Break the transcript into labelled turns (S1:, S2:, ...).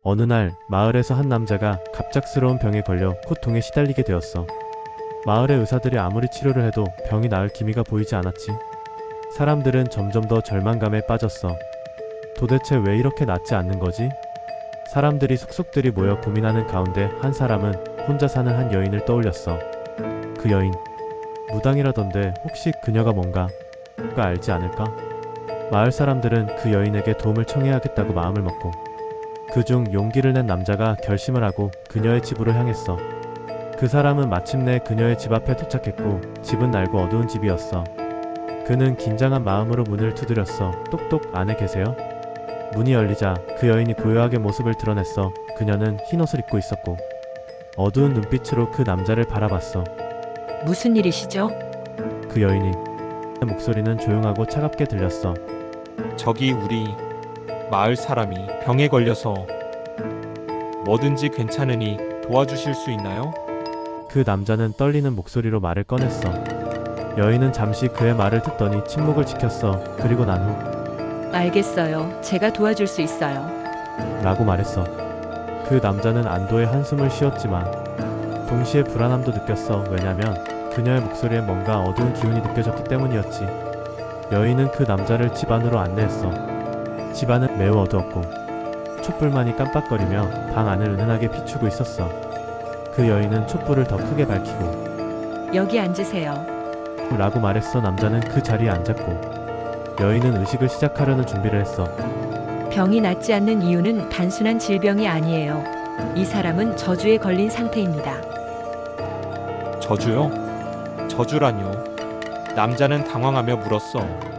S1: 어느 날 마을에서 한 남자가 갑작스러운 병에 걸려 고통에 시달리게 되었어. 마을의 의사들이 아무리 치료를 해도 병이 나을 기미가 보이지 않았지. 사람들은 점점 더 절망감에 빠졌어. 도대체 왜 이렇게 낫지 않는 거지? 사람들이 속속들이 모여 고민하는 가운데 한 사람은 혼자 사는 한 여인을 떠올렸어. 그 여인, 무당이라던데 혹시 그녀가 뭔가 알지 않을까? 마을 사람들은 그 여인에게 도움을 청해야겠다고 마음을 먹고 그중 용기를 낸 남자가 결심을 하고 그녀의 집으로 향했어. 그 사람은 마침내 그녀의 집 앞에 도착했고 집은 낡고 어두운 집이었어. 그는 긴장한 마음으로 문을 두드렸어. 똑똑, 안에 계세요? 문이 열리자 그 여인이 고요하게 모습을 드러냈어. 그녀는 흰 옷을 입고 있었고 어두운 눈빛으로 그 남자를 바라봤어.
S2: 무슨 일이시죠?
S1: 그 여인이 목소리는 조용하고 차갑게 들렸어.
S3: 저기 우리 마을 사람이 병에 걸려서 뭐든지 괜찮으니 도와주실 수 있나요?
S1: 그 남자는 떨리는 목소리로 말을 꺼냈어. 여인은 잠시 그의 말을 듣더니 침묵을 지켰어. 그리고 난 후
S2: 알겠어요. 제가 도와줄 수 있어요.
S1: 라고 말했어. 그 남자는 안도의 한숨을 쉬었지만 동시에 불안함도 느꼈어. 왜냐면 그녀의 목소리에 뭔가 어두운 기운이 느껴졌기 때문이었지. 여인은 그 남자를 집 안으로 안내했어. 집 안은 매우 어두웠고 촛불만이 깜빡거리며 방 안을 은은하게 비추고 있었어. 그 여인은 촛불을 더 크게 밝히고
S2: 여기 앉으세요.
S1: 라고 말했어. 남자는 그 자리에 앉았고 여인은 의식을 시작하려는 준비를 했어.
S2: 병이 낫지 않는 이유는 단순한 질병이 아니에요. 이 사람은 저주에 걸린 상태입니다.
S3: 저주요? 저주라뇨? 남자는 당황하며 물었어.